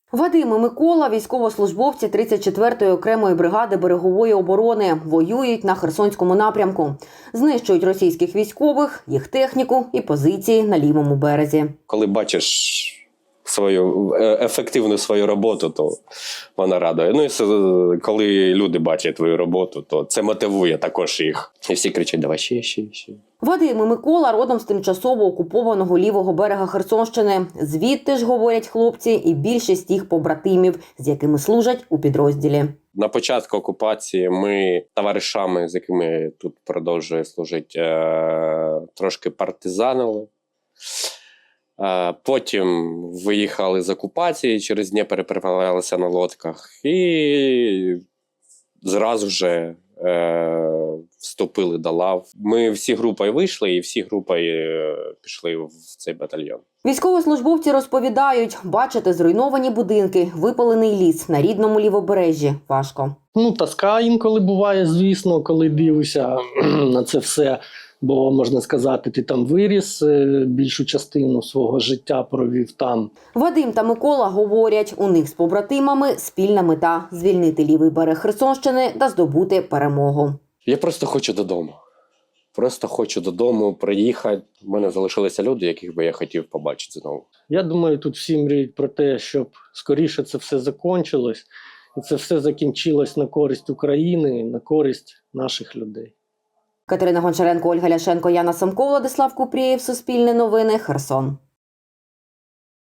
Вадим і Микола – військовослужбовці 34-ї окремої бригади берегової оборони. Воюють на Херсонському напрямку. Знищують російських військових, їх техніку і позиції на лівому березі. Коли бачиш ефективну свою роботу, то вона радує. Ну і коли люди бачать твою роботу, то це мотивує також їх. І всі кричать: давай ще. Вадим і Микола родом з тимчасово окупованого лівого берега Херсонщини. Звідти ж, говорять хлопці, і більшість їх побратимів, з якими служать у підрозділі. На початку окупації ми товаришами, з якими тут продовжує служити, трошки партизанили. Потім виїхали з окупації, через Дніпро переправлялися на лодках і зразу вже вступили до лав. Ми всі групою вийшли і всі групою пішли в цей батальйон. Військовослужбовці розповідають, бачити зруйновані будинки, випалений ліс на рідному лівобережжі важко. Тоска інколи буває, звісно, коли дивишся на це все. Бо, можна сказати, ти там виріс, більшу частину свого життя провів там. Вадим та Микола говорять, у них з побратимами спільна мета – звільнити лівий берег Херсонщини та здобути перемогу. Я просто хочу додому. Просто хочу додому приїхати. У мене залишилися люди, яких би я хотів побачити знову. Я думаю, тут всі мріють про те, щоб скоріше це все закінчилось. І це все закінчилось на користь України, на користь наших людей. Катерина Гончаренко, Ольга Ляшенко, Яна Самко, Владислав Купрієв, Суспільне новини, Херсон.